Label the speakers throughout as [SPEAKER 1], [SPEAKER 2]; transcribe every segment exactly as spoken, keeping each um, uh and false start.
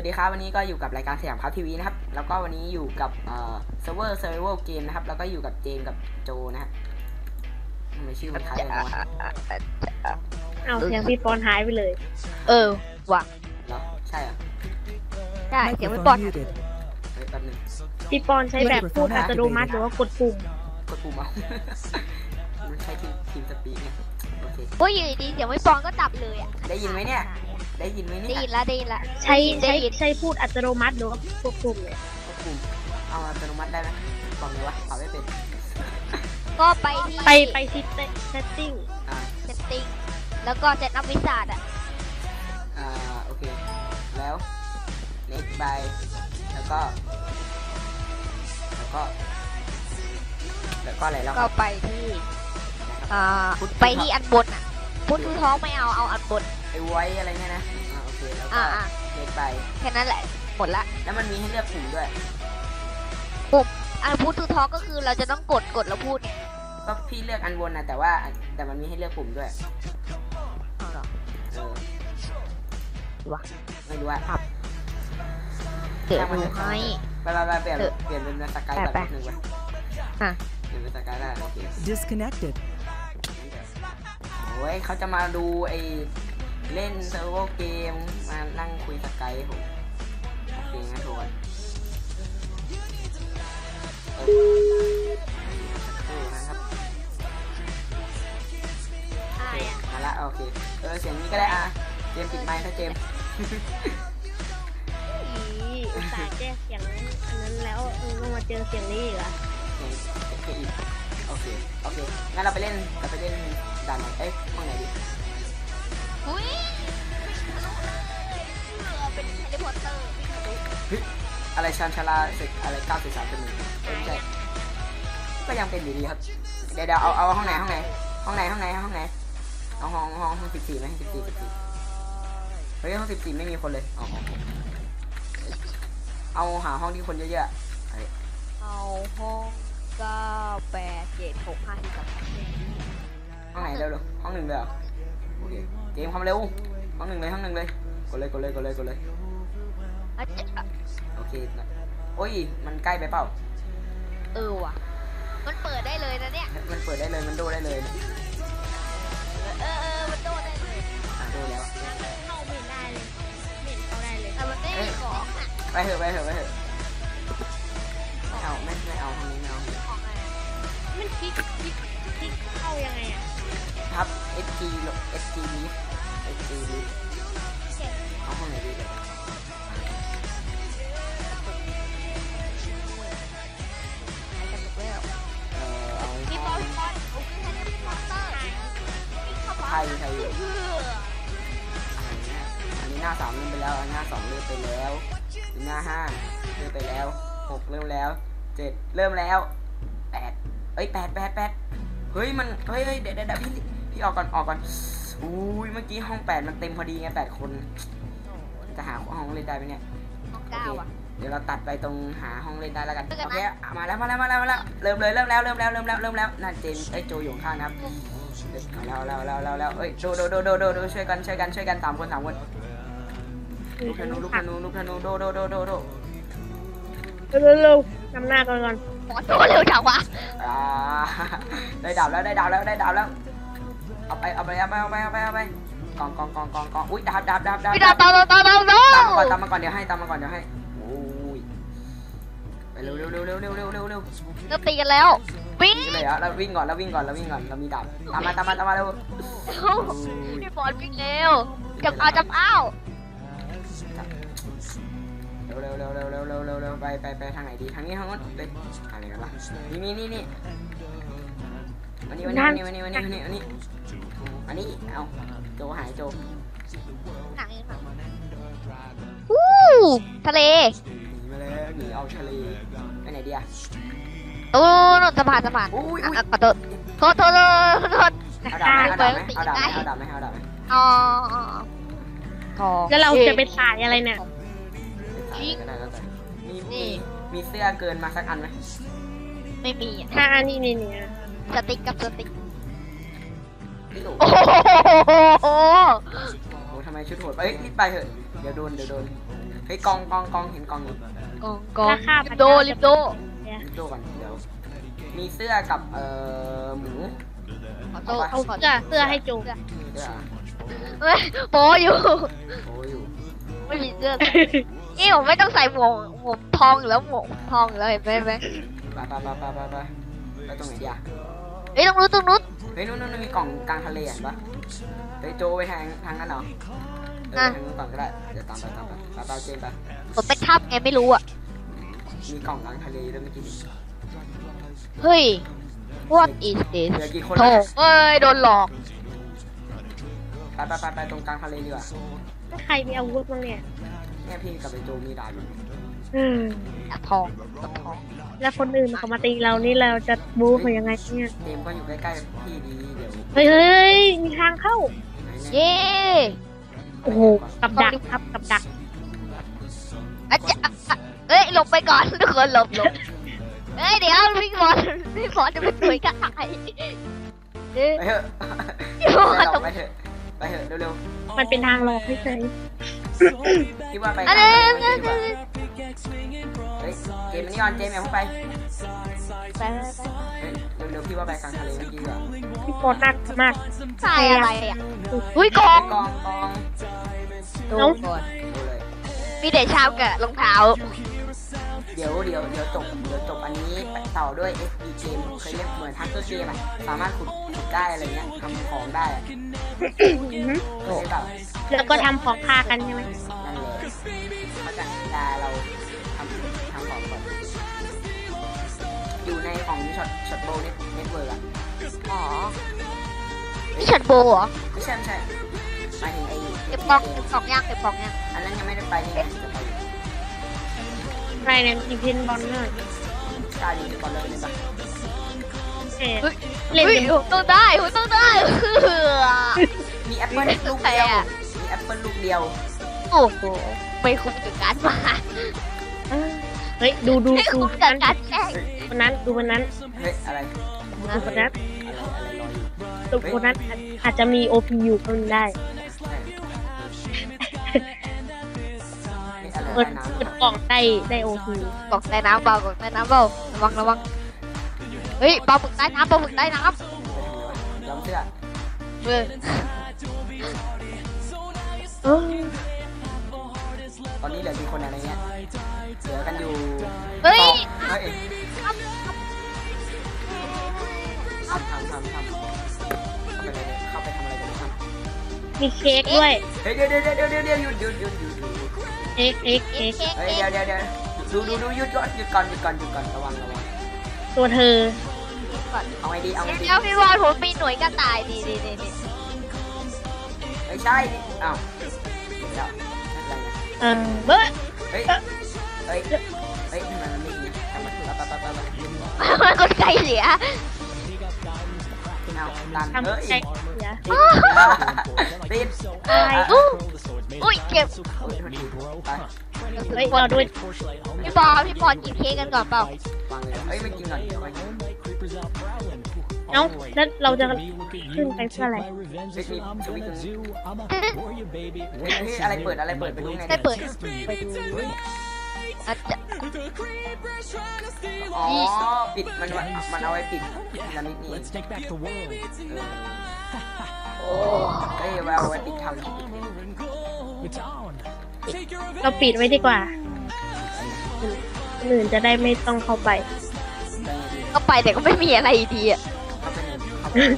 [SPEAKER 1] ดีครับวันนี้ก็อยู่กับรายการสยามครับทีวีนะครับแล้วก็วันนี้อยู่กับเอ่อเซิร์ฟเวอร์เซอร์ไววัลเกมนะครับแล้วก็อยู่กับเจมกับโจนะครับทำไมชื่อมันคล้ายกันวะ
[SPEAKER 2] เอาเสียงพี่ปอนหายไปเลย
[SPEAKER 3] เออว่ะ
[SPEAKER 1] เหรอใช่เหรอ
[SPEAKER 3] ได้เสียงไม่ปลอด
[SPEAKER 1] เฮ้ยแป๊บนึง
[SPEAKER 2] พี่ปอนใช้แบบพูดอัตโนมัติหรือว่ากดปุ่ม
[SPEAKER 1] กดปุ่มเอา มันใช้ทีมทีมสปีกเนี่ยโอเค
[SPEAKER 3] โอ้ยอยู่ดีๆเสียงไม่ปลอดก็ดับเลยอ่ะ
[SPEAKER 1] ได้ยินไหมเนี่ยได้ยินไหมเนี่
[SPEAKER 3] ได้
[SPEAKER 1] ย
[SPEAKER 3] ยินละได้ยินละ
[SPEAKER 2] ใช้
[SPEAKER 3] ได้
[SPEAKER 2] ใช้
[SPEAKER 3] ยิน
[SPEAKER 2] ใช้พูดอัตโนมัติหรือว่ากดปุ่มเลย
[SPEAKER 1] กดปุ่มเอาอัตโนมัติได้ไหมบอกเลยวะเปล่าไม่เป็น
[SPEAKER 3] ก็ไปที่
[SPEAKER 2] ไปไปที่เซตติ้ง
[SPEAKER 1] อ่า
[SPEAKER 3] เซตติ้งแล้วก็เซตอัพวิสาดอ่ะ
[SPEAKER 1] อ่าโอเคแล้ว next by แล้วก็แล้วก็แล้วก็อะไรแล้วค
[SPEAKER 3] ก็
[SPEAKER 1] รับ
[SPEAKER 3] ไปที่อ่าไปที่อันบนอ่ะพุทธท้องไม่เอาเอาอันบน
[SPEAKER 1] ไอ้ไว้อะไรเนี่ยนะอ่าโอเคแล้วก็
[SPEAKER 3] อ่าอ่า
[SPEAKER 1] next by
[SPEAKER 3] แค่นั้นแหละหมดละ
[SPEAKER 1] แล้วมันมีให้เลือกปุ่มด้วย
[SPEAKER 3] อันพุทธท้องก็คือเราจะต้องกดกดแล้วพูดไง
[SPEAKER 1] ก็พี่เลือกอันบนนะแต่ว่าแต่มันมีให้เลือกปุ่มด้วย
[SPEAKER 3] เอาเหรอ
[SPEAKER 1] เออ
[SPEAKER 3] วะ
[SPEAKER 1] ไม่รู้ว่า
[SPEAKER 3] เดี๋ยวดูให้
[SPEAKER 1] ไปไปไปเปลี่ยน
[SPEAKER 3] เออ
[SPEAKER 1] เปลี่ยนเป็นสกาย
[SPEAKER 3] ไป
[SPEAKER 1] แบบ
[SPEAKER 3] ไป
[SPEAKER 1] หนึ่งไป
[SPEAKER 3] อ่ะ
[SPEAKER 1] เปลี่ยนเป็นสกายได้โอเค
[SPEAKER 4] Disconnected.
[SPEAKER 1] โอ้ยเขาจะมาดูไอ้เล่นเซิร์ฟเวอร์เกมมานั่งคุยสกายผมโอเคงั้นทุกคนเออเออนะครับ
[SPEAKER 2] อายอ่ะ
[SPEAKER 1] มาละโอเคเออเสียงนี้ก็ได้อ่ะเจมส์ปิดไมค์ถ้าเจมส์
[SPEAKER 2] อีอุตส่าห์แก้เสียงอันนั้นแล้วเออต้องมาเจอเสียงนี้อีกเหรอ
[SPEAKER 1] เสียงเสียงอีกโอเคโอเคงั้นเราไปเล่นเราไปเล่นด่านไหนเอ้ยห้องไหนดี
[SPEAKER 3] อุ้ยเป็นแฮร์รี่พอตเตอร์
[SPEAKER 1] เฮ้ยอะไรชันชาลาเสกอะไรเก้าสี่สามเป็นหนึ่งไม่ใช่ก็ยังเป็นอยู่ดีครับเดี๋ยวเดี๋ยวเอาเอาห้องไหนห้องไหนห้องไหนห้องไหนห้องไหนเอาห้องห้องห้องสิบสี่ไหมสิบสี่สิบสี่เฮ้ยห้องสิบสี่ไม่มีคนเลยเอาเอาเอาหาห้องที่คนเยอะๆเฮ้ย
[SPEAKER 3] เอาห้องเก้าแปดเจ็ดหกห้าสี่สาม
[SPEAKER 1] ห้องไหนเร็วๆห้องหนึ่งเลยเหรอโอเคเกมความเร็วห้องหนึ่งเลยห้องหนึ่งเลยกดเลยกดเลยกดเลยกดเลย
[SPEAKER 3] อ่ะจะ
[SPEAKER 1] โอเคโอ้ยมันใกล้ไปเปล่า
[SPEAKER 3] เออว่ะมันเปิดได้เลยนะเนี่ย
[SPEAKER 1] มันเปิดได้เลยมันโดได้เลย
[SPEAKER 3] เออเออมันโดดได้เลย
[SPEAKER 1] อ่ะโดแล้ว
[SPEAKER 2] เข้าไม่ได้เลยไม่เห็นเข้าได้เลย
[SPEAKER 3] แต่มันไม่มีของอ่ะ
[SPEAKER 1] ไปเถอะไปเถอะไปเถอะไม่เอาไม่ไม่เอาห้องนี้ไม่เอา
[SPEAKER 3] ของอะไร
[SPEAKER 2] มันคลิกคลิกคลิกเข้ายังไงอ่ะ
[SPEAKER 1] ทับ S G ลบ S G ลิฟ S G ลิฟเอาห้องไหนดีเลย
[SPEAKER 3] หายกันหมดแล้ว
[SPEAKER 1] เออเอา
[SPEAKER 3] พี่บ
[SPEAKER 1] ห้
[SPEAKER 3] อ
[SPEAKER 1] อ
[SPEAKER 3] ล
[SPEAKER 1] ง
[SPEAKER 3] พี่บอลโอเคให้พี่บอลเตอร์เข้าไป
[SPEAKER 1] ไทยไทยอยู่อันนี้หน้าสามเริ่มไปแล้วหน้าสองเริ่มไปแล้วหน้าห้าเริ่มไปแล้วหกเริ่มแล้วเจ็ดเริ่มแล้วแปดเอ้ยแปดแปดแปดเฮ้ยมันเฮ้ยเฮ้ยเดี๋ยวเดี๋ยวพี่พี่ออกก่อนออกก่อนอุ้ยเมื่อกี้ห้องแปดมันเต็มพอดีไงแปดคนจะหาห้องเล่นได้ไหมเนี่ย
[SPEAKER 3] ห้องเก้าอ่ะ
[SPEAKER 1] เดี๋ยวเราตัดไปตรงหาห้องเล่นได้แล้วกันโอเคมาแล้วมาแล้วมาแล้วมาแล้วเริ่มเลยเริ่มแล้วเริ่มแล้วเริ่มแล้วเริ่มแล้วนั่นเจนไอ้โจอยู่ข้างนะครับมาแล้วแล้วแล้วแล้วแล้วเอ้ยโดโดโดโดโดโดช่วยกันช่วยกันช่วยกันสามคนสามคนลูกธนูลูกธนูลูกธนูโดโดโดโดโด
[SPEAKER 2] เร็วๆนำหน้าก่อนก่อน
[SPEAKER 3] หมอโตเร็วจังวะ
[SPEAKER 1] อ่าได้ดาวแล้วได้ดาวแล้วได้ดาวแล้วเอาไปเอาไปเอาไปเอาไปเอาไปเอาไปกองกองกองกองกองอุ้ยดาบดาบดาบดาบ
[SPEAKER 3] พี่ดาวตามตามตามตาม
[SPEAKER 1] ตามมาก่อนตามมาก่อนเดี๋ยวให้ตามมาก่อนเดี๋ยวให้โอ้ยไปเร็วเร็วเร็วเร็วเร็วเร็วเร็วเร็ว
[SPEAKER 3] เริ่มตีกันแล้ววิ่ง
[SPEAKER 1] นี่เลยอะเราวิ่งก่อนเราวิ่งก่อนเราวิ่งก่อนเรามีดาบตามมาตามมาตามมาเร็ว
[SPEAKER 3] พี่บอลวิ่งเร็วจับเอาจับเอา
[SPEAKER 1] เร็วเร็วเร็วเร็วเร็วเร็วเร็วเร็วไปไปไปทางไหนดีทางนี้ทางนู้นเลยอะไรกันล่ะนี่นี่นี่นี่วันนี้วันนี้วันนี้วันนี้วันนี้วันนี้วันนี้เอาโจหายโจ
[SPEAKER 3] หนังเองหนังวู้ทะเล
[SPEAKER 1] หนีมาแล้วหนีเอาทะเลไปไหนดีอะ
[SPEAKER 3] โอ้นนสะพานสะพาน
[SPEAKER 1] อุ้ยอุ้ย
[SPEAKER 3] ขอโทษโทษโทษโทษ
[SPEAKER 1] เอาดาบไหมเอาดาบไหมเอาดาบไหมเอาดาบไหมเอาดาบไหม
[SPEAKER 3] อ๋อทอง
[SPEAKER 2] แล้วเราจะไปสายอะไรเนี่ย
[SPEAKER 1] ก็ได้แล้วแต่มีมีมีเสื้อเกินมาสักอันไหม
[SPEAKER 3] ไม่มีอ่ะ
[SPEAKER 2] ถ้าอันนี้นี่เนี่ย
[SPEAKER 3] สติ๊กกับสติ๊ก
[SPEAKER 1] พี่โอ้
[SPEAKER 3] โอ้โห
[SPEAKER 1] โหทำไมชุดโหดเอ้ยรีบไปเถอะเดี๋ยวโดนเดี๋ยวโดนเฮ้ยกองกองกองเห็นกองอยู่
[SPEAKER 3] กองกอง
[SPEAKER 2] ราคา
[SPEAKER 3] ลิปโดลิปโด
[SPEAKER 2] เนี่ย
[SPEAKER 1] ดูก่อนเดี๋ยวมีเสื้อกับเอ่อหมู
[SPEAKER 3] ขอโต้
[SPEAKER 2] เอา
[SPEAKER 3] ขอ
[SPEAKER 2] เสื้อเสื้อให้จู
[SPEAKER 3] เสื้อ
[SPEAKER 1] เสื้อ
[SPEAKER 3] เฮ้ยโปอยู่
[SPEAKER 1] โอ้ยอยู่
[SPEAKER 3] ไม่มีเสื้อใส่นี่ผมไม่ต้องใส่หมวกหมวกทองอยู่แล้วหมวกทองอยู่แล้วเห็นไหมเห็นไหม
[SPEAKER 1] ไปไปไปไปไปไปไปตรงไหนดีอะ
[SPEAKER 3] เฮ้ยตรงนู้นตรงนู้น
[SPEAKER 1] เฮ้ยนู่นนู่นมีกล่องกลางทะเลเห็นปะเฮ้ยโจไปทางทางนั้นเหรอเออไปทางนู้นก่อนก็ได้เดี๋ยวตามไปตามไปไปไปเจนไป
[SPEAKER 3] ผมเป็นทับไงไม่รู้อ่ะ
[SPEAKER 1] มีกล่องกลางทะเลด้วยเมื่อกี้นี้
[SPEAKER 3] เฮ้ย what is this
[SPEAKER 1] เหลือกี่คน
[SPEAKER 3] โถ
[SPEAKER 1] แล้ว
[SPEAKER 3] เอ้ยโดนหลอก
[SPEAKER 1] ไปไปไปไปตรงกลางทะเลดีกว่า
[SPEAKER 2] ใครมีอาวุธบ้างเนี่ย
[SPEAKER 1] เนี่ยพี่กับไอโจมีดาบอยู่
[SPEAKER 2] อืม
[SPEAKER 3] อะทองกับทอง
[SPEAKER 2] แล้วคนอื่นเขามาตีเรานี่เราจะบู๊เขายังไงเนี่ย
[SPEAKER 1] เกมก็อยู่ใกล้ๆพี่ดีเดี๋ยว
[SPEAKER 2] เฮ้ยเฮ้ยมีทางเข้า
[SPEAKER 1] ไหนเนี่ย
[SPEAKER 3] เย้
[SPEAKER 2] โอ้โหกับดักครับกับดัก
[SPEAKER 3] อะจะอะอะเอ้ยหลบไปก่อนทุกคนหลบหลบเอ้ยเดี๋ยวพี่บอลพี่บอลจะเป็นหน่วยกระต่ายเอ้ย
[SPEAKER 1] ไปเถอะ
[SPEAKER 3] พี่บอล
[SPEAKER 1] ไป
[SPEAKER 3] ตก
[SPEAKER 1] ไปเถอะไปเถอะเร็ว
[SPEAKER 2] มันเป็นทางหลอกเฉย
[SPEAKER 1] ๆคิดว่าไป
[SPEAKER 3] อัน
[SPEAKER 1] ทาง
[SPEAKER 3] นี้
[SPEAKER 1] ไหนดีกว่าเฮ้ยเกมนี้ออนเจมอย่าเพิ่งไป
[SPEAKER 3] ไปไปไป
[SPEAKER 1] เฮ้ยเร็วๆพี่ว่าไปกลางทะเลเมื่อกี้ดีกว่า
[SPEAKER 2] ๆพี่ปอนักมาก
[SPEAKER 3] ใส่อะไรอ่ะอุ้ยกอ
[SPEAKER 1] เฮ้
[SPEAKER 3] ง
[SPEAKER 1] ยกองกอง
[SPEAKER 3] ดูก่อน
[SPEAKER 1] ดูเลย
[SPEAKER 3] มีแต่ชาวกับรองเท้า
[SPEAKER 1] เดี๋ยวเดี๋ยวเดี๋ยวจบเดี๋ยวจบอันนี้ไปต่อด้วย เอส ดี เกมเคยเล่นเหมือนทักเกอร์เกมอะสามารถขุดขุดได้อะไรเงี้ยทำของได้อะ
[SPEAKER 2] อือหือ
[SPEAKER 1] เคยเล่นเปล่า
[SPEAKER 2] แล้วก็ทำของฆ่ากันใช่ไหม
[SPEAKER 1] นั่นเลยเขาจะเวลาเราทำทำของก่อนอยู่ในของช็อตช็อตโบเน็ตเน็ตเวิร์กอะ
[SPEAKER 3] อ๋อนี่ฉันโบเหรอ
[SPEAKER 1] ไม่ใช่ไม่ใช่หมายถึงไอ้
[SPEAKER 3] เก็บกล่องเก็บกล่องย่างเก็บกล่องย่าง
[SPEAKER 1] อันนั้นยังไม่ได้ไปนี่ไงจะไปอยู่
[SPEAKER 2] ใครเนี่ยมีเพนบอลเนอร์
[SPEAKER 1] กล้าอยู่ในก่อนเลยเลยปะ
[SPEAKER 2] เอ๊ะ
[SPEAKER 3] เฮ้ย
[SPEAKER 2] เล่น
[SPEAKER 3] เฮ้ย
[SPEAKER 2] เป็น
[SPEAKER 3] ผมต้องได้ผมต้องได้เออ
[SPEAKER 1] มีแอปเปิลลูกเดียวมีแอปเปิลลูกเดียว
[SPEAKER 3] โอ้โหไม่คุ้มกับการมา
[SPEAKER 2] เฮ้ยดูดู
[SPEAKER 3] ไม่
[SPEAKER 2] ดู
[SPEAKER 3] คุ้มกับการแข่ง
[SPEAKER 2] คนนั้นดูคนนั้น
[SPEAKER 1] เฮ้ยอะไร
[SPEAKER 2] ดูคนนั้น
[SPEAKER 1] อะไรอะไรลอยอยู่
[SPEAKER 2] ดูคนนั้นอาจอาจจะมีโอพีอยู่ก็ได้
[SPEAKER 1] นี่อะไร
[SPEAKER 2] เปิด
[SPEAKER 1] ใต้น้ำ
[SPEAKER 2] เปิดกล่องได้ได้โอพี
[SPEAKER 3] กล่องใต้น้ำเบากล่องใต้น้ำเบาระวังระวังเฮ้ยปลาหมึกใต้น้ำปลาหมึกใต้น้
[SPEAKER 1] ยอมเชื่อ
[SPEAKER 3] ำเออ
[SPEAKER 2] เออ
[SPEAKER 1] ตอนนี้เหลือกี่คนอะไรเงี้ยเหลือกันอยู่
[SPEAKER 3] เฮ้ย
[SPEAKER 1] เฮ้ยทำทำทำทำเข้าไปเลยเข้าไปทำอะไรกันครับ
[SPEAKER 2] มีเค้กด้วย
[SPEAKER 1] เฮ้ยเดี๋ยวเดี๋ยวเดี๋ยวเดี๋ยวเดี๋ยวหยุดหยุดหยุดหยุดหยุด
[SPEAKER 2] เค้กเค้กเค้ก
[SPEAKER 3] เค้ก
[SPEAKER 1] เฮ้ย
[SPEAKER 3] เค้
[SPEAKER 1] เดี๋ยว
[SPEAKER 3] ก
[SPEAKER 1] เดี๋ยวเดี๋ยวดูดูดูหยุดก่อนหยุดก่อนหยุดก่อนหยุดก่อนระวังระวัง
[SPEAKER 2] ตัวเธอ
[SPEAKER 1] เอาไงดีเอาไงดี
[SPEAKER 3] เดี๋ยวพี่บอลผมมีหน่วยกระต่ายดีดีดีดี
[SPEAKER 1] ไม่ใช่ดิอ้าวเดี๋ยวอะไรนะ
[SPEAKER 2] เออเบ้อ
[SPEAKER 1] เฮ้ยเฮ้ยเฮ้ยทำไมมันไม่ดีทำไมถึงปั๊บปั๊บปั๊บปั๊บ
[SPEAKER 3] มันคนใจเสีย
[SPEAKER 1] เอาดัน
[SPEAKER 2] ทำ
[SPEAKER 1] เฮ้ย
[SPEAKER 2] ใจเสีย
[SPEAKER 1] ติด
[SPEAKER 2] ตาย
[SPEAKER 3] อู้อุ้ยเก็บ
[SPEAKER 1] ไป
[SPEAKER 2] เฮ้ยเราด้วย
[SPEAKER 3] พี่บอลพี่บอลกินเค้กกันก่อนเปล่าว
[SPEAKER 1] างเลยเฮ้ยไม่กินก่อนเดี๋ยวไปกิน
[SPEAKER 2] เอ้าแล้วเราจะขึ้นไปเพื่ออะไร
[SPEAKER 1] เฮ้ยมีสวิตช์ตรงนี้เฮ้ยเฮ้ยอะไรเปิดอะไรเปิดไปดูไง
[SPEAKER 3] ได้เปิดไปดูอาจจะ
[SPEAKER 1] อ๋อปิดมันมันเอาไว้ปิดพีระมิดนี่เออเฮ้ยเอาไว้ปิดทำ
[SPEAKER 2] เราปิดไว้ดีกว่าคนอื่นจะได้ไม่ต้องเข้าไป
[SPEAKER 3] ก็ไปแต่ก็ไม่มีอะไรดีอ่ะ
[SPEAKER 1] เข้าไปในเข้าไป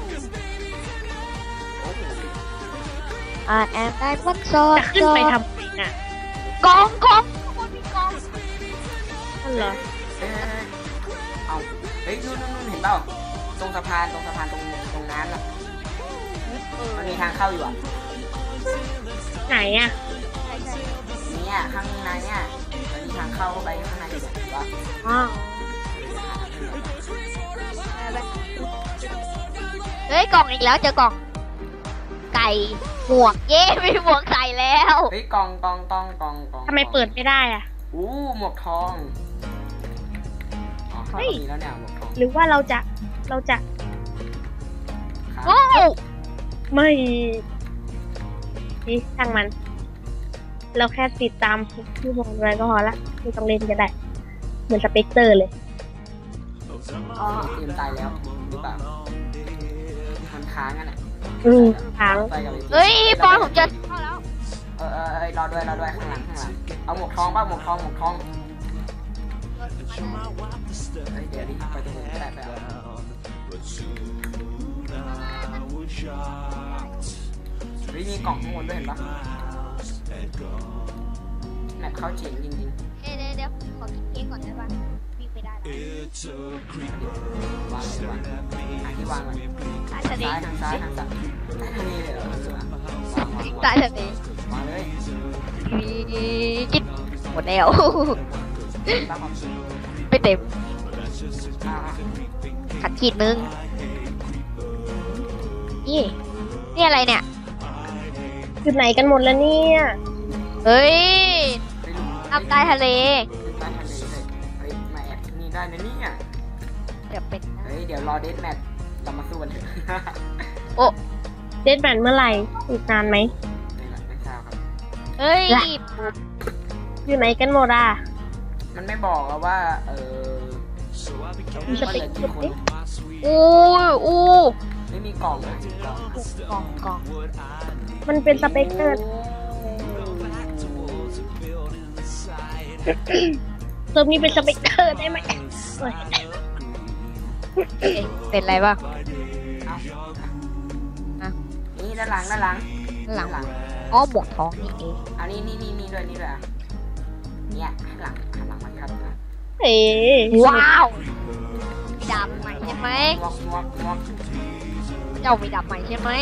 [SPEAKER 1] โอ้โห
[SPEAKER 3] อ่าแอนได้พักซอ
[SPEAKER 2] จะขึ้นไปทำไมน่ะ
[SPEAKER 3] กองกองข้างบนมีกอง
[SPEAKER 2] นั่นเหรอ
[SPEAKER 1] เอ้ยเอาเฮ้ยนู่นนู่นนู่นเห็นเปล่าตรงสะพานตรงสะพานตรงตรงนั้นอ่ะมันมีทางเข้าอยู่อ่ะ
[SPEAKER 2] ไหนอ่ะ
[SPEAKER 1] เนี่ยข้างในเนี่ยมันมีทางเข้าไปข้างในอยู่เห็นปะ
[SPEAKER 2] อ๋อ
[SPEAKER 3] เฮ้ยกล่องอีกแล้วเจอกล่อง ไก่หมวกเย้มีหมวกใส่แล้ว
[SPEAKER 1] เฮ้ยกองกองกองกองกอง
[SPEAKER 2] ทำไมเปิดไม่ได้อ่ะ
[SPEAKER 1] อู้หมวกทองอ๋อเขามีแล้วเนี่ยหมวกทอง
[SPEAKER 2] หรือว่าเราจะเราจะ
[SPEAKER 1] ครับ
[SPEAKER 3] โอ้
[SPEAKER 2] ไม่นี่ช่างมันเราแค่ติดตามที่บอลไว้ก็พอละไม่ต้องเล่นก็ได้ เหมือนสเปกเตอร์เลย
[SPEAKER 1] อ๋อเตรียมตายแล้วหรือเปล่ามันค้างกันอ่ะ
[SPEAKER 2] อืมค้าง
[SPEAKER 1] ไปกับไอ้
[SPEAKER 3] เฮ้ยปอนผมจะเข้าแล้ว
[SPEAKER 1] เออเออเออรอด้วยรอด้วยข้างหลังข้างหลังเอาหมวกทองบ้างหมวกทองหมวกทองเฮ้ยเดี๋ยวดิไปตรงนู้นก็ได้ไปเอาเฮ้ยมีกล่องข้างบนด้วยเห็นปะแมปเข้าเจ๋งจริง
[SPEAKER 3] เดี๋ยวเดี๋ยวเดี๋ยวขอกินเค้กก่อนได้ป่ะวิ่งไปได้แล้ว
[SPEAKER 1] ๆวางเลยวางหาที่วางเลย
[SPEAKER 3] ตาย
[SPEAKER 1] ทา
[SPEAKER 3] ทะ
[SPEAKER 1] ง
[SPEAKER 3] เล
[SPEAKER 1] ซ้ายทางซ้ายทางซ้ายทางนี้เลยเหรอวางวางวาง
[SPEAKER 3] ตายทะเล
[SPEAKER 1] วางเลย
[SPEAKER 3] กินหมดแล้ว
[SPEAKER 1] ตามความจริง
[SPEAKER 3] ไม่เต็ม
[SPEAKER 1] อ่า
[SPEAKER 3] ขัดขีดนึงนี่นี่อะไรเนี่ย
[SPEAKER 2] อยู่ไหนกันหมดแล้วเนี่ย
[SPEAKER 3] เฮ้ย
[SPEAKER 1] ไปลุม
[SPEAKER 3] ทำใต้ทะเล
[SPEAKER 1] ใต้ทะเลเลยเฮ้ยมาแอบที่นี่ได้นะเนี่ย
[SPEAKER 3] เดี๋ยวเป็น
[SPEAKER 1] เฮ้ยเดี๋ยวรอเดทแมทเรามาสู้กันเถอะ
[SPEAKER 3] โอ้
[SPEAKER 2] เดดแมนเมื่อไหร่ อีกนานไหม
[SPEAKER 1] ไม่ละไม่ทราบครับ
[SPEAKER 3] เฮ้ย
[SPEAKER 2] อยู่ไหนกันหมดอ่ะ
[SPEAKER 1] มันไม่บอกอะว่า เออ
[SPEAKER 2] มีส
[SPEAKER 1] ว่า
[SPEAKER 2] ติ๊
[SPEAKER 1] เห
[SPEAKER 2] ก
[SPEAKER 1] ลือกี่คน
[SPEAKER 3] อู้อู้
[SPEAKER 1] ไม่มีกล่องนะกล่อง
[SPEAKER 3] กล่องกล่อง
[SPEAKER 2] มันเป็นสเปกเตอร์เติมนี้เป็นสเปกเตอร์ได้ไหมเอ้ย
[SPEAKER 3] เอ๊ะเป็นไรบ้าง
[SPEAKER 1] เอา
[SPEAKER 3] อ่ะ
[SPEAKER 1] นี่ด้านหลังด้านหลัง
[SPEAKER 3] หลัง
[SPEAKER 1] หลัง
[SPEAKER 3] อ๋อหมวกทองนี่เอง
[SPEAKER 1] อันนี้นี่นี่นี่ด้วยนี่ด้วยอะเนี่ยหันหลังหันหลังมาครับนะ
[SPEAKER 2] เอ๊ะ
[SPEAKER 3] ว้าวมีดาบใหม่ใช่ไหม
[SPEAKER 1] งวกงวกงวก
[SPEAKER 3] เจ้ามีดาบใหม่ใช่ไหม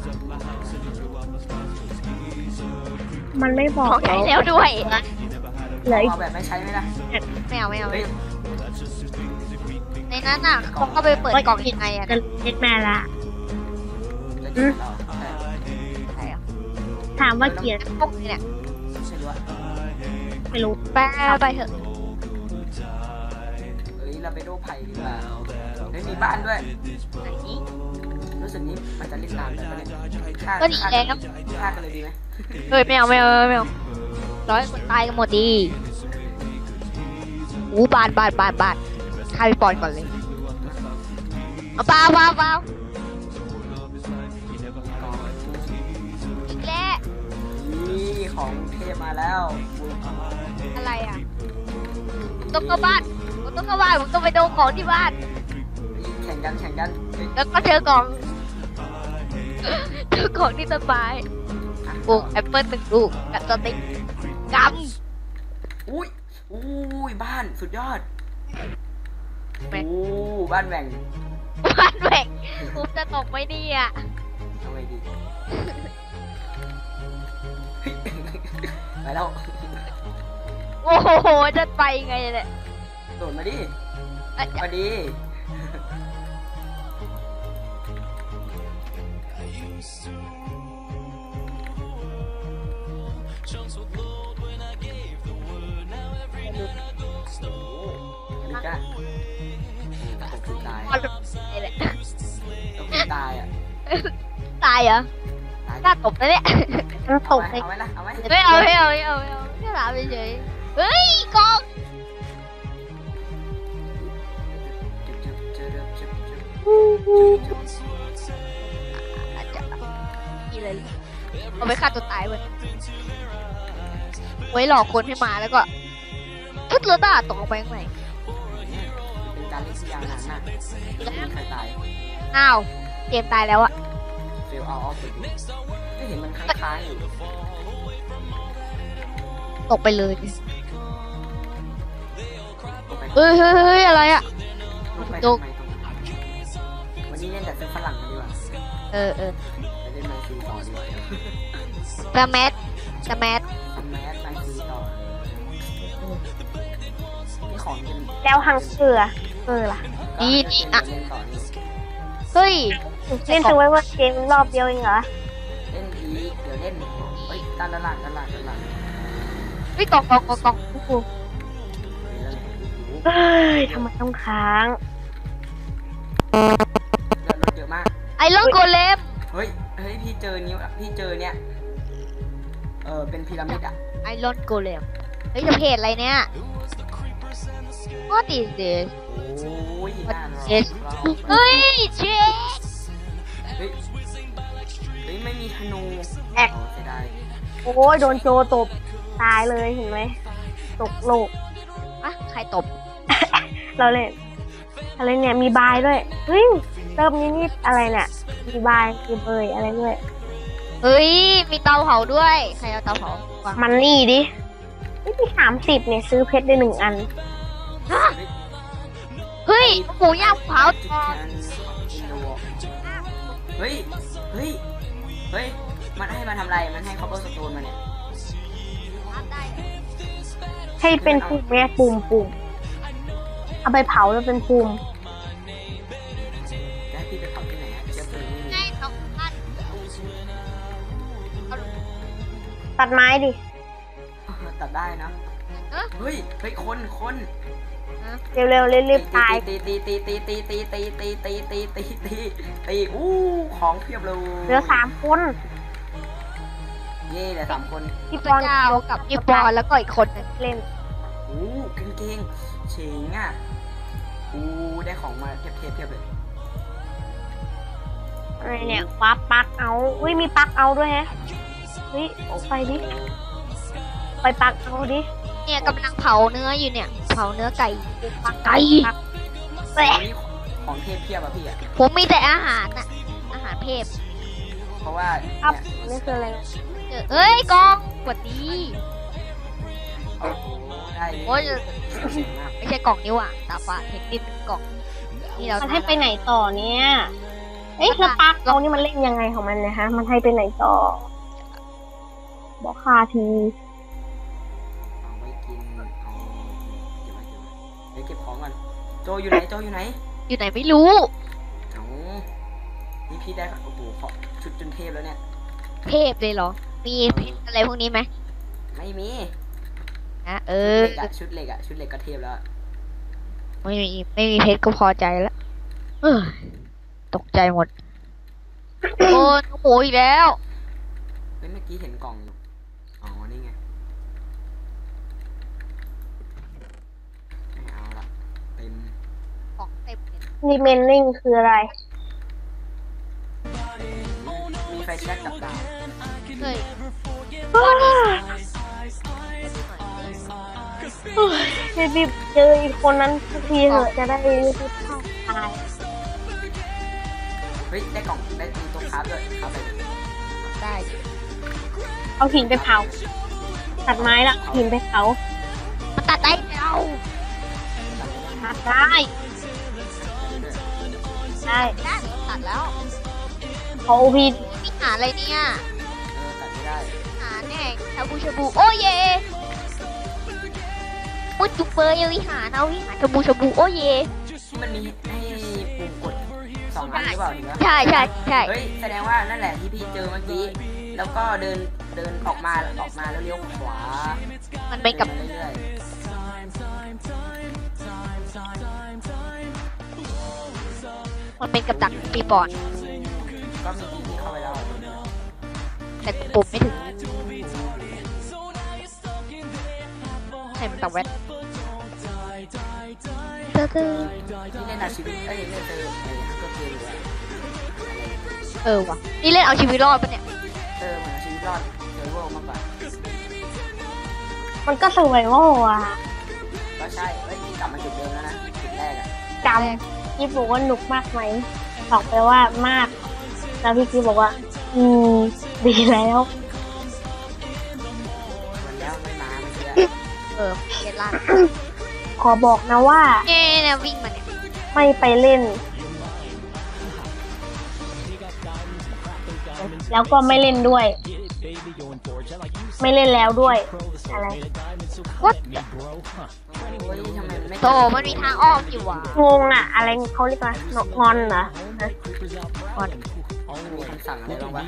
[SPEAKER 2] มันไม่บอก
[SPEAKER 3] ของใช้แล้วด้วย
[SPEAKER 2] เหลืออีก
[SPEAKER 1] เอาแบบไม่ใช้ไหมล่ะ
[SPEAKER 3] ไม่เอาไม่เอา
[SPEAKER 1] เฮ้ย
[SPEAKER 3] ในนั้นน่ะเขาก็ไปเปิดกล่องยังไงอะ
[SPEAKER 2] จะเดดแมนละ
[SPEAKER 1] จะจีบเราแต่
[SPEAKER 3] ใช่อะ
[SPEAKER 2] ถามว่าเกลียด
[SPEAKER 3] พวกนี้เนี่ย
[SPEAKER 1] ไม่ใช่ด้วย
[SPEAKER 2] ไม่รู้
[SPEAKER 3] ไปไปเถอะ
[SPEAKER 1] เฮ้ยเราไปดูไผ่ดีกว่าเฮ้ยมีบ้านด้วย
[SPEAKER 3] ไหน
[SPEAKER 1] รู้สึกนี้มันจะเล่นนานไปปะเนี่ยฆ่า
[SPEAKER 3] ก็ดี
[SPEAKER 1] ฆ่า
[SPEAKER 3] แล้ว
[SPEAKER 1] ฆ่ากันเลยดีไหม
[SPEAKER 3] เฮ้ยไม่เอาไม่เอาไม่เอาร้อยคนตายกันหมดดีอู้บาดบาดบาดบาดฆ่าพี่ปอนก่อนเลยเอาเปล่าเปล่าเปล่าอีกแล้ว
[SPEAKER 1] นี่ของเทพมาแล้ว
[SPEAKER 3] อะไรอ่ะต้องเข้าบ้านผมต้องเข้าบ้านผมต้องไปดูของที่บ้าน
[SPEAKER 1] แข่งกันแข่งกันเฮ้ย
[SPEAKER 3] แล้วก็เจอกล่องเจอกล่องที่ต้นไม้
[SPEAKER 1] อ่ะ
[SPEAKER 3] ปลูกแอปเปิ้ลหนึ่งลูกกับสติ๊กก
[SPEAKER 1] อุ้ยอุ้ยบ้านสุดยอด
[SPEAKER 3] ำแม่ง
[SPEAKER 1] อู้บ้านแหว่ง
[SPEAKER 3] บ้านแหวกผมจะตกไหมเนี่ย
[SPEAKER 1] เอาไงดีเฮ้ยไปแล้ว
[SPEAKER 3] โอ้โหจะไปไงเนี่ย
[SPEAKER 1] โดดมาดิ
[SPEAKER 3] เอ้ย
[SPEAKER 1] มาดิลิก้าตกตาย
[SPEAKER 3] บอลไงเนี่ย
[SPEAKER 1] ตกตายอ่ะ
[SPEAKER 3] ตายเหรอ
[SPEAKER 1] ตาย
[SPEAKER 3] น่าตบนะเนี่ย
[SPEAKER 2] มันต
[SPEAKER 1] เอา
[SPEAKER 2] ก
[SPEAKER 1] ไหม
[SPEAKER 2] ใน
[SPEAKER 1] เอาไหมล่ะเอาไหม
[SPEAKER 3] ไม่เอาไม่เอาไม่เอาไม่เอาแค่ถามเฉยๆเฮ้ยกอง อาจจะอีเลยเอาไปฆ่าตัวตายเว้ยไว้หลอกคนให้มาแล้วก็พุทธเลต้าตกลงไปข้างใน
[SPEAKER 1] เป็นการเล่นที่ยาวนานมากไม่มีใครตาย
[SPEAKER 3] อ้าวเกมตายแล้วอะ
[SPEAKER 1] เฟลเอาออฟไปดูก็เห็นมันค้างๆอยู่
[SPEAKER 3] ตกไปเลย
[SPEAKER 1] ลงไป
[SPEAKER 3] เฮ้ยเฮ้ยเฮ้ยอะไรอะ
[SPEAKER 1] ลงไป
[SPEAKER 3] ดู
[SPEAKER 1] ทำไมตรงนั้นวันนี้เล่นแต่ซื้อฝรั่งกันดีกว่า
[SPEAKER 3] เออเออ
[SPEAKER 1] ไปเล่นไมซีต่อดีกว่า
[SPEAKER 3] สแมทสแมท
[SPEAKER 1] ทำแมสไมซีต่อนี่ของกิน
[SPEAKER 2] แล้วหังเสือเออล่ะ
[SPEAKER 1] ก็เล่นต่อนี่
[SPEAKER 3] เฮ้ย
[SPEAKER 2] เล่นถึงไว้ว่าเกมรอบเดียวเองเหรอ
[SPEAKER 1] เล่นอีกเดี๋ยวเล่นเฮ้ยด้านด้านหลังด้านหลังด้านหลัง
[SPEAKER 3] เฮ้ยกล่องกล่องกล่องกล่องโอ้โห
[SPEAKER 2] เฮ้ยทำไมต้องค้าง
[SPEAKER 1] เลือดลดเยอะมาก
[SPEAKER 3] ไอรอนโกเลม
[SPEAKER 1] เฮ้ย เฮ้ย พี่เจอนิ้วพี่เจอเนี่ย เออเป็นพีระมิดอ่ะ
[SPEAKER 3] ไอรอนโกเลมเฮ้ยจะเพจอะไรเนี่ย What is this
[SPEAKER 1] โอ้ยน่ารัก
[SPEAKER 3] Yes เฮ้ยเจ๊
[SPEAKER 1] เฮ้ยเฮ้ยไม่มีธนู
[SPEAKER 2] แอก
[SPEAKER 1] โอ้เสียดาย
[SPEAKER 2] โอ้ยโดนโจตบตายเลยเห็นไหมตกโลก
[SPEAKER 3] อะใครตบ
[SPEAKER 2] เราเล่นอะไรเนี่ยมีบายด้วยเฮ้ยเติมนิดนิดอะไรเนี่ยมีบายมีเบยอะไรด้วย
[SPEAKER 3] เฮ้ยมีเตาเผาด้วยใครเอาเตาเผาวาง
[SPEAKER 2] มันนี่ดินี่มีสามสิบเนี่ยซื้อเพชรได้หนึ่งอัน
[SPEAKER 3] เฮ้ยหมูย่างเผา
[SPEAKER 1] จิกแคนอินโดเฮ้ยเฮ้ยเฮ้ยมันให้มาทำอะไรมันให้คอปเปอร์สโตนมาเนี่ย
[SPEAKER 2] ให้เป็นภูมิแม่ปุ่มปุ่มเอาไปเผาแล้วเป็นภูมิ
[SPEAKER 1] จะให้พี่ไปเผาที่ไหนอะเชื้อเพลิงไม่มี
[SPEAKER 3] ให้เขาพัน
[SPEAKER 2] ตัดไม้ดิ
[SPEAKER 1] ตัดได้นะ
[SPEAKER 3] เอ๊ะ
[SPEAKER 1] เฮ้ยเฮ้ยคนคน
[SPEAKER 2] เร็วเร็วๆรีบๆตาย
[SPEAKER 1] ตีตีตีตีตีตีตีตีตีตีตีตีตีอู้ของเพียบเลย
[SPEAKER 2] เหลือสามคน
[SPEAKER 1] เย่เหลือสามคน
[SPEAKER 2] พี่
[SPEAKER 3] พ
[SPEAKER 2] ปอน
[SPEAKER 3] เจ้ากับพี่ปอนแล้วก็อีกคนหนึง
[SPEAKER 2] เล่น
[SPEAKER 1] อู้เก่งเก่งเฉงอ่ะอู้ได้ของมาเทียบเทียบเทียบเลย
[SPEAKER 2] อะไรเนี่ยว้าปลักเอาอุ้ยมีปลักเอาด้วยแฮะเฮ้ยเอาไปดิไปปลักเอาดิ
[SPEAKER 3] เนี่ยกำลังเผาเนื้ออยู่เนี่ย เผาเนื้อไก่
[SPEAKER 2] ปัก
[SPEAKER 3] ไก่
[SPEAKER 2] ปักแปะ
[SPEAKER 1] นี่ของเทพเพียบอะพี่อะ
[SPEAKER 3] ผมมีแต่อาหารน่ะอาหารเพศ
[SPEAKER 1] เพราะว่า
[SPEAKER 2] ครับ
[SPEAKER 1] เนี่ย
[SPEAKER 2] นี่คืออะไร
[SPEAKER 3] เจอเอ้ยกองกดดี
[SPEAKER 1] โอ้โหได้
[SPEAKER 3] โอ้ย
[SPEAKER 1] เจ๋งมาก
[SPEAKER 3] ไม่ใช่กล่องนี้ว่ะตาฝาดเทคนิคกล่องนี่เรา
[SPEAKER 2] มันให้ไปไหนต่อเนี่ยเอ๊ะแล้วปลักเอานี่มันเล่นยังไงของมันเนี่ยฮะมันให้ไปไหนต่อบอกค่าที
[SPEAKER 1] เอาไว้กินเอาเก็บไว้เก็บไว้เดี๋ยวเก็บของก่อนโจอยู่ไหนโจอยู่ไหน
[SPEAKER 3] อยู่ไหนไม่รู้
[SPEAKER 1] เอานี่พี่ได้โอ้โหขอชุดจนเทพแล้วเนี่ย
[SPEAKER 3] เพศเลยเหรอ มีเพศอะไรพวกนี้ไหม
[SPEAKER 1] ไม่มี
[SPEAKER 3] นะเอ
[SPEAKER 1] ชุด
[SPEAKER 3] อ
[SPEAKER 1] เหล็กอะชุดเหล็กอะชุดเหล็กก็เทพแล้ว
[SPEAKER 3] ไม่มีไม่มีเพชรก็พอใจแล้วเออตกใจหมด โอ้ยหมูอีกแล้ว
[SPEAKER 1] เฮ้ยเมื่อกี้เห็นกล่องอยู่อ๋อนี่ไงไม่เอาละเต็ม
[SPEAKER 3] ของเต็มเลย
[SPEAKER 2] รีเมนนิ่งคืออะไร
[SPEAKER 1] มีไฟแช็กกับดาบ
[SPEAKER 3] เฮ้ย
[SPEAKER 2] รีบๆเจออีกคนนั้นสักทีเถอะจะได้รีบๆเข้าตาย
[SPEAKER 1] เฮ้ยได้กล่องได้มีตัวคราฟด้วยคราฟอะไร
[SPEAKER 3] ได้
[SPEAKER 2] เอาหินไปเผาตัดไม้ละหินไปเผา
[SPEAKER 3] มันตัดได้เรา
[SPEAKER 2] ตัดได้ได้
[SPEAKER 3] ได้ตัดแล้ว
[SPEAKER 2] ขอโอพี
[SPEAKER 3] มีหาอะไรเนี่ย
[SPEAKER 1] เออตัดไม่ได้
[SPEAKER 3] หาแน่ชาบูชาบูโอ้เย่มุดจุกเบอร์ยังวิหารเอาวิหารชาบูชาบูโอ้เย่
[SPEAKER 1] ที่มันมีให้ปุ่มกดสองอันหรือเปล่าถึงวะ
[SPEAKER 3] ใช่ใช่ใช่
[SPEAKER 1] เฮ้ยแสดงว่านั่นแหละที่พี่เจอเมื่อกี้แล้วก็เดินเดินออกมาออกมาแล้วเลี้ยวขวา
[SPEAKER 3] มันเป็นกับ
[SPEAKER 1] ดินมาเรื่อย
[SPEAKER 3] มันเป็นกับดักปีปอน
[SPEAKER 1] ๆก็มีที่ที่เข้าไปแล้ว
[SPEAKER 3] แต่ปุ่มไม่ถึงให้มันตัดแว่นเตอร์เตอร์
[SPEAKER 1] ที่เล่นอาชีวิตเอ้ยเล่นเจอไอ้ฮักเกอร์เกมอยู่อะ
[SPEAKER 3] เออว่ะนี่เล่นเอาชีวิตรอดปะเนี่ย
[SPEAKER 1] เออเหมือนอาชีวิตรอดเซอร์เวอร์มากกว่า
[SPEAKER 2] มันก็สวยว่าอ่ะ
[SPEAKER 1] ก็ใช่เฮ้ยกลับมาจุดเดิมแล้วนะจุดแรกอะ
[SPEAKER 2] จำพี่บอกว่าหนุกมากไหมบอกไปว่ามาก แล้วพี่กี้บอกว่า อืมดีแล้ว
[SPEAKER 1] วันแล้วไม่มาไม่เชื่อ
[SPEAKER 3] เออเล่นล่าง
[SPEAKER 2] ขอบอกนะว่า
[SPEAKER 3] เนี่ยเนี่ยวิ่งมาเนี่ย
[SPEAKER 2] ไม่ไปเล่น แล้วก็ไม่เล่นด้วย ไม่เล่นแล้วด้วย อะไร
[SPEAKER 3] วัด
[SPEAKER 1] โอ้ยทำไมไม่
[SPEAKER 3] โตมันมีทางออกอยู่ว่ะ
[SPEAKER 2] งงอะอะไรเขาเรียกว่างอนเหรอฮะ
[SPEAKER 3] ก่อน
[SPEAKER 1] มีคำสั่งอะไรบ้างวะ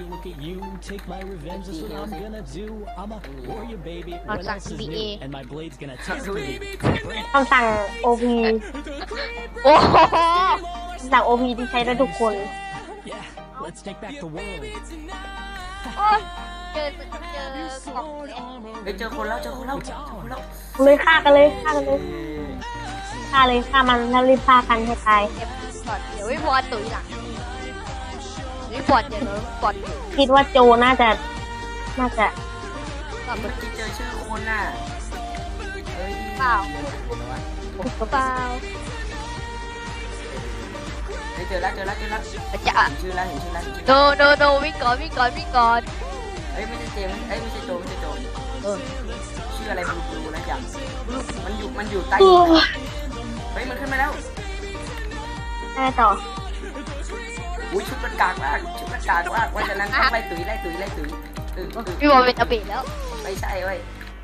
[SPEAKER 3] เราสั่ง ซี บี เอ
[SPEAKER 1] ดูดิ
[SPEAKER 2] คำสั่ง โอ พี
[SPEAKER 3] โอ้โห
[SPEAKER 2] คำสั่ง โอ พี ที่ใช้ได้ทุกคน
[SPEAKER 3] โอ้ยเจอเจอของเนี่ย
[SPEAKER 1] เฮ้ยเจอคนแล้วเจอคนแล้วเจอคนแล้ว
[SPEAKER 2] เลยฆ่ากันเลยฆ่ากันเลยฆ่าเลยฆ่ามันแล้วรีบฆ่ากันให้ตาย
[SPEAKER 3] เก็บก่อนเดี๋ยวพี่บอลตุ๋ยหลังพี่บอลเดี๋ยวเราบอล
[SPEAKER 2] คิดว่าโจน่าจะน่าจะ
[SPEAKER 3] กลับ
[SPEAKER 1] เมื่
[SPEAKER 3] มา
[SPEAKER 1] อกี้เจอชื่อคนน่ะเฮ้ย
[SPEAKER 3] เปล่า เปล่า
[SPEAKER 1] เฮ้ยเจอแล้วเจอแล้วเจอแล้ว
[SPEAKER 3] จะ
[SPEAKER 1] เห็นชื่อแล้วเห็นชื่อแล้วเห็นชื่อ
[SPEAKER 3] โน
[SPEAKER 1] แล้ว
[SPEAKER 3] โนโนวิ่งก่อนวิ่งก่อนวิ่งก่อน
[SPEAKER 1] เฮ้ยไม่ใช่เจมส์เอ้ยไม่ใช่โจไม่ใช่โจ
[SPEAKER 3] เออ
[SPEAKER 1] ชื่ออะไรบลูบลูนะอย่างมันอยู่มันอยู่ใต้
[SPEAKER 2] โอ้
[SPEAKER 1] หิน
[SPEAKER 2] ย
[SPEAKER 1] เฮ้ยมันขึ้นมาแล้ว
[SPEAKER 2] แม่ต่อ
[SPEAKER 1] อุ้ยชุดมันกากมากชุดมันกากมากว่าจะนั้นต้องไล่ตุ๋ยไล่ตุ๋ยไล่ตุ๋ยตื่นตื่น
[SPEAKER 3] พี่บอลเป็นอบิแล้ว
[SPEAKER 1] ไม่ใช่เว้ย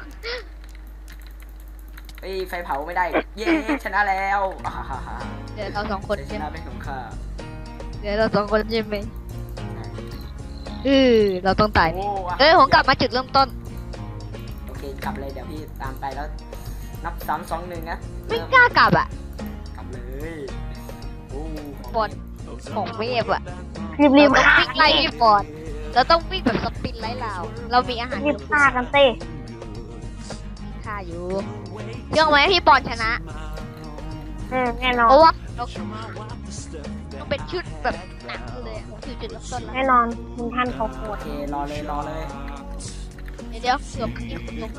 [SPEAKER 1] เฮ้ยไฟเผาไม่ได้เย้ชนะแล้วอ่าฮ่าฮ่า
[SPEAKER 3] เดี๋ยวเราสองคน
[SPEAKER 1] ช
[SPEAKER 3] ใช่ไหม
[SPEAKER 1] นะเป็นของข้า
[SPEAKER 3] เดี๋ยวเราสองคนใช่ไหมเออเราต้องตาย
[SPEAKER 1] โอ้ว่ะ
[SPEAKER 3] เอ้ยผมกลับมาจุดเริ่มต้น
[SPEAKER 1] โอเคกลับเลยเดี๋ยวพี่ตามไปแล้วนับสามสองหนึ่งนะ
[SPEAKER 3] ไม่กล้ากลับอ่ะ
[SPEAKER 1] กลับเลยโอ้
[SPEAKER 3] บอลของเวฟอ่ะ
[SPEAKER 2] รีบรีบ
[SPEAKER 3] เราต้อง
[SPEAKER 2] ฆ่า
[SPEAKER 3] วิ่งไล่พี่บอลเราต้องวิ่งแบบสปินไล่เราเรามีอาหาร
[SPEAKER 2] รีบฆ่ากันเต้
[SPEAKER 3] ค่าอยู่เชื่อไหมพี่บอลชนะ
[SPEAKER 2] อืมแน่นอ
[SPEAKER 3] เพ
[SPEAKER 2] น
[SPEAKER 3] ราะว่าเราต้องเป็นชุดแบบหนักเลยผมคือจุดเริ่มต้นแล้ว
[SPEAKER 2] แน่นอนมึงท่านเขาโค
[SPEAKER 1] โอ
[SPEAKER 2] ตร
[SPEAKER 1] เครอเลยรอเลย
[SPEAKER 3] เดี๋ยวเดี๋ยวเกือบที่คุณลง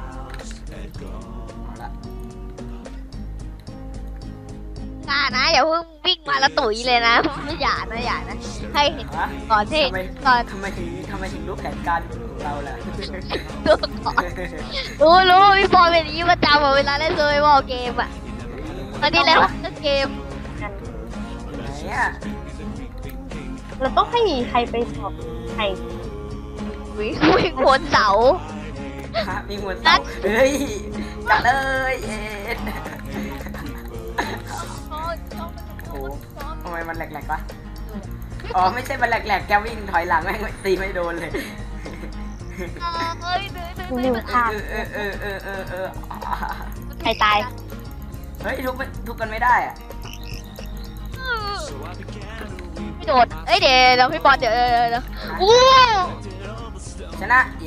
[SPEAKER 1] เอาละ
[SPEAKER 3] กล้านะอย่าเพิ่งวิ่งมาแล้วตุ๋ยเลยนะไม่อย่านะอย่านะให้เห็น
[SPEAKER 1] ฮะ
[SPEAKER 3] ก่อนที่
[SPEAKER 1] ทำไม
[SPEAKER 3] ก่อน
[SPEAKER 1] ทำไมถึงทำไมถึงรู้แผนการของเราล่ะ
[SPEAKER 3] ตัวก่อนรู้รู้พี่บอลเป็นอย่างนี้ประจำอะเวลาเล่นโซยบอลเกมอ่ะตอนนี้แล้วเล่นเกม
[SPEAKER 2] กัน
[SPEAKER 1] ไหนอ่ะ
[SPEAKER 2] เราต้องให้ใครไปสอบใคร
[SPEAKER 3] วิ่งวิ่งบนเสา
[SPEAKER 1] ฮะมีหัวเสาเฮ้ยจัดเลยเอ็ดโอ้ทำไมมันแหลกๆวะอ๋อไม่ใช่มันแหลกๆแกวิ่งถอยหลังแม่งไม่ตีไม่โดนเลย
[SPEAKER 3] เอ้ยเดือด
[SPEAKER 2] มึงรีบฆ่า
[SPEAKER 1] เออเออเออเออเออ
[SPEAKER 2] ใครตาย
[SPEAKER 1] เฮ้ยทุบทุบกันไม่ได้อะ
[SPEAKER 3] ไม่โดดเอ้ยเดี๋ยวเดี๋ยวพี่บอลเดี๋ยวเดี๋ยวเดี๋ยวอู้
[SPEAKER 1] ชนะเย้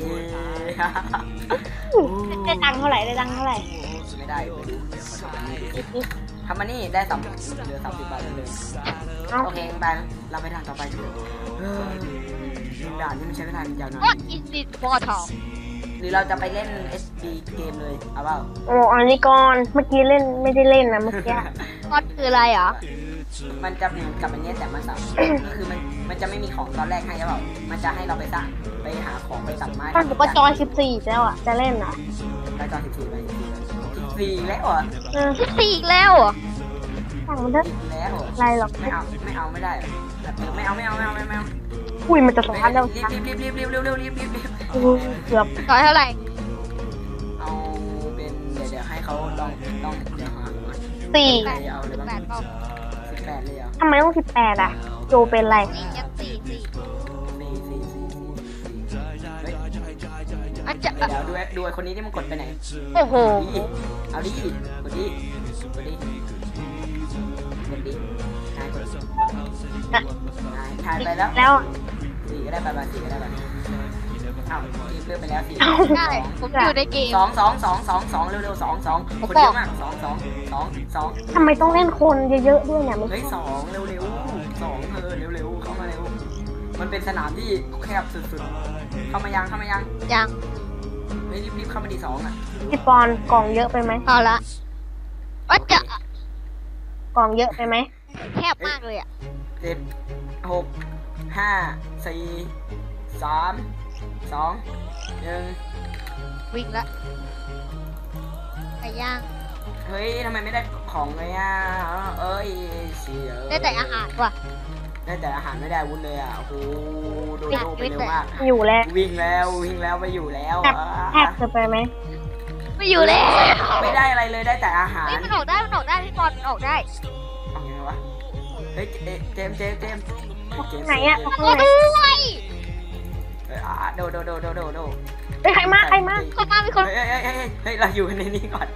[SPEAKER 2] ได้ตังค์เท่าไหร่ได้ตังค์เท่าไหร่
[SPEAKER 1] ไม่ได้ไปดูทำมานี่ได้สามเหลือสามสิบบาทเลย
[SPEAKER 2] เอ้า
[SPEAKER 1] โอเคไปเราไปทางต่อไปเถอะเฮ้ยด่านที่มันใช้เวลายาวนาน
[SPEAKER 3] ก็อินดิสบอลทอง
[SPEAKER 1] หรือเราจะไปเล่น เอส ดี เกมเลย เอาเปล่า
[SPEAKER 2] โอ้อันนี้ก่อนเมื่อกี้เล่นไม่ได้เล่นนะเมื่อกี้
[SPEAKER 3] ก็คืออะไรเหรอ
[SPEAKER 1] มันจะเหมือนกับอันเนี้ยแต่มันสับก็คือมันมันจะไม่มีของตอนแรกให้ใช่เปล่ามันจะให้เราไปสร้างไปหาของไปตัดไม้
[SPEAKER 2] ตอนผมก็จอยสิบสี่แล้วอ่ะจะเล่นอ่ะ
[SPEAKER 1] ไปจอสิบสี่ไปสิบสี่แล้วเหรอ
[SPEAKER 2] เออ
[SPEAKER 3] สิบสี่อีกแล้วเหรอ
[SPEAKER 2] สั่งมันเถอะ
[SPEAKER 1] สิบแล้วเหรอ
[SPEAKER 2] อะไรหรอก
[SPEAKER 1] ไม่เอาไม่เอาไม่ได้เหรอแบบเออไม่เอาไม่เอาไม่เอาไม่เอาไม่เอา
[SPEAKER 2] อุ้ยมันจะสองพันแล้ว
[SPEAKER 1] รีบรีบรีบรีบรีบรีบรีบรีบรีบรีบ
[SPEAKER 2] อู้เกือบ
[SPEAKER 3] ต่อยเท่าไหร่
[SPEAKER 1] เอาเป็นเดี๋ยวเดี๋ยวให้เขาลองลองเดี๋ยวหาก่อน
[SPEAKER 2] สี่
[SPEAKER 1] เอาเลยบ้าง
[SPEAKER 3] แปดเปล่า
[SPEAKER 1] สิบแปดเลยเหรอ
[SPEAKER 2] ทำไมต้องสิบแปดอ่ะ โจเป็นไร
[SPEAKER 3] สี่ยังสี่สี่
[SPEAKER 1] สี่สี่สี่สี่เฮ้ย
[SPEAKER 3] อาจจะ
[SPEAKER 1] เดี๋ยวเดี๋ยวดูไอ้ดูไอ้คนนี้ที่มันกดไปไหน
[SPEAKER 3] โอ้โห
[SPEAKER 1] ดิเอาดิกดดิกดดิกดดินายกดนายถ่ายไปแล้ว
[SPEAKER 2] แล้ว
[SPEAKER 1] สี่ก็ได้ไปไปสี่ก็ได้ไปเอ้าทีเลือกไปแล้วสี่
[SPEAKER 3] ใช่ผมอยู่ในเกม
[SPEAKER 1] สองสองสองสองสองเร็วเร็วสองสองคนเยอะมากสองสองสองสอง
[SPEAKER 2] ทำไมต้องเล่นคนเยอะๆด้วยเนี่ยไม่
[SPEAKER 1] เฮ้ย
[SPEAKER 2] ใช่
[SPEAKER 1] สองเร็วเร็วสองเธอเร็วเร็วเข้ามาเร็วมันเป็นสนามที่แคบสุดๆเข้ามายังเข้ามายัง
[SPEAKER 3] ยัง
[SPEAKER 1] เฮ้ยรีบๆเข้ามาดีสองอ่ะ
[SPEAKER 2] พี่ปอนกล่องเยอะไปไหม
[SPEAKER 3] เอาละว่าจะ
[SPEAKER 2] กล่องเยอะไปไหม
[SPEAKER 3] แคบมากเลยอ่ะ
[SPEAKER 1] เจ็ดหกห้าสี่สามสองหนึ่ง
[SPEAKER 3] วิ่งละไก่ย่าง
[SPEAKER 1] เฮ้ยทำไมไม่ได้ของเลยอ่ะเอ้ยเสีย
[SPEAKER 3] ได้แต่อาหารว่ะ
[SPEAKER 1] ได้แต่อาหารไม่ได้วุ้นเลยอ่ะโอ้โหโดโดไปเร็วมาก
[SPEAKER 2] อยู่แล้ว
[SPEAKER 1] วิ่งแล้ววิ่งแล้วไปอยู่แล้ว
[SPEAKER 2] แทบ
[SPEAKER 1] อ่ะ
[SPEAKER 2] แทบจะไปไหม
[SPEAKER 3] ไม่อยู่แล้ว
[SPEAKER 1] ไม่ได้อะไรเลยได้แต่อาหาร
[SPEAKER 3] เฮ้ยมันออกได้มันออกได้พี่บอลมันออกได้
[SPEAKER 1] เอายังไงวะเฮ้ยเจเจมส์เจมส์เจมส์เจมส์
[SPEAKER 2] ไหนอ่ะ
[SPEAKER 3] โอ้
[SPEAKER 2] ข้างไหน
[SPEAKER 3] ด้วย
[SPEAKER 1] เอ้ยอ่ะโดโดโดโดโดโด
[SPEAKER 2] เฮ้ยใครมาใครมา
[SPEAKER 3] คนมามีคน
[SPEAKER 1] เฮ้ยเฮ้ยเฮ้ยเฮ้ยเฮ้ยเราอยู่ในนี้ก่อน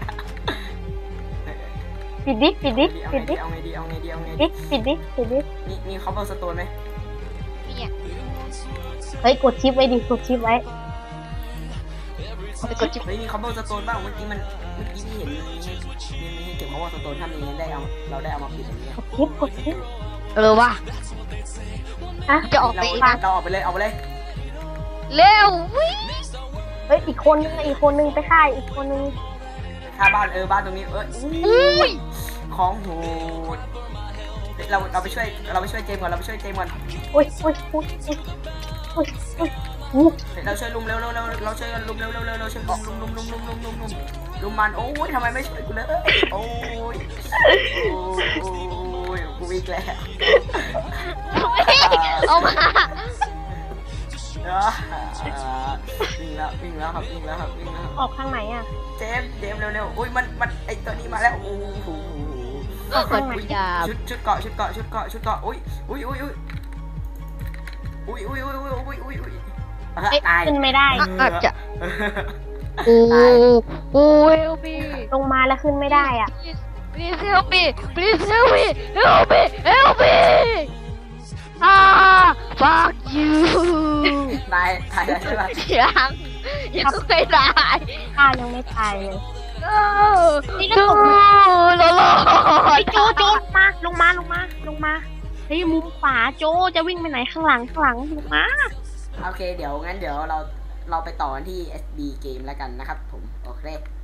[SPEAKER 2] ปิดดิปิดดิ
[SPEAKER 1] เอา
[SPEAKER 2] ปิ
[SPEAKER 1] ไง
[SPEAKER 2] ด
[SPEAKER 1] ดี
[SPEAKER 2] ดิ
[SPEAKER 1] เอาไงดีเอาไงดีเอาไง
[SPEAKER 2] ดิ
[SPEAKER 1] ดี
[SPEAKER 2] ปิดดิปิดดิ
[SPEAKER 1] มีมีคอปเปอร์สโตนไหม
[SPEAKER 3] มีอ่ะ
[SPEAKER 2] เฮ้ยกดชิปไว้ดิกดชิปไว้
[SPEAKER 3] ไปกดจิ๊บ
[SPEAKER 1] เฮ้ยมีคอมโบสโตนบ้างเมื่อกี้มันเมื่อกี้ที่เห็นมีให้มีมีให้เก็บคอมโบสโตนถ้ามีได้เอาเราได้เอามาปิดอย่างเงี้ย
[SPEAKER 2] กดชิปกดชิป
[SPEAKER 3] เออว่ะ
[SPEAKER 2] อ่ะ
[SPEAKER 3] จะออก
[SPEAKER 1] เรา
[SPEAKER 3] ไปอีก
[SPEAKER 1] เราออกไปเลยออกไปเลย
[SPEAKER 3] เร็ววิ่ง
[SPEAKER 2] เฮ้ยอีกคนนึงอีกคนนึงไปค่ายอีกคนนึง
[SPEAKER 1] ค่าบ้านเออบ้านตรงนี้เออ
[SPEAKER 3] อุ้ย
[SPEAKER 1] ของโหดเฮ้ยเราเราไปช่วยเราไปช่วยเจมส์ก่อนเราไปช่วยเจมส์ก่อน
[SPEAKER 2] โอ้ยโอ้ยโอ้ยโอ้ยโอ้ยโอ้ย
[SPEAKER 1] เฮ้ยเราช่วยลุมเร็วเร็วเร็วเราช่วยกันลุมเร็วเร็วเร็วเราช่วยลุมลุมลุมลุมลุมลุมลุมลุมลุมมันโอ้ยทำไมไม่ช่วยกูเลยโอ้ยโอ้ยกูวิ่งแล้ว
[SPEAKER 3] เอามา
[SPEAKER 1] อ่าวิ่งแล้ววิ่งแล้วครับวิ่งแล้วครับวิ่งแล้ว
[SPEAKER 2] ออกทางไหนอ่ะ
[SPEAKER 1] เจมส์เจมส์เร็วๆอุ้ยมันมันไอตัวนี้มาแล้วโอ้โห
[SPEAKER 3] กดพยายาม
[SPEAKER 1] ชุดชุดเกาะชุดเกาะชุดเกาะชุดเกาะอุ้ยอุ้ยอุ้ยอุ้ยอุ้ยอุ้ยอุ้ยอุ้ยอุ้ยอุ้ยอุ้ย
[SPEAKER 2] เอ๊ะ
[SPEAKER 1] ตาย
[SPEAKER 2] ขึ้นไม่ได้
[SPEAKER 3] อาจจะโอ้โอ้เฮลมี
[SPEAKER 2] ลงมาแล้วขึ้นไม่ได้อ่ะ
[SPEAKER 3] please help me please help me help me help me อ่า fuck you
[SPEAKER 1] ตายตายแล้วใช่ปะ
[SPEAKER 3] ยังยังไม่ได้
[SPEAKER 2] ข้ายังไม่ตายเลย
[SPEAKER 3] นี่ก็ตกโลโล
[SPEAKER 2] ไอ้โจโจลงมาลงมาลงมาลงมาเฮ้ยมุมขวาโจจะวิ่งไปไหนข้างหลังข้างหลังลงมา
[SPEAKER 1] โอเคเดี๋ยวงั้นเดี๋ยวเราเราไปต่อกันที่ เอส บี เกมแล้วกันนะครับผมโอเค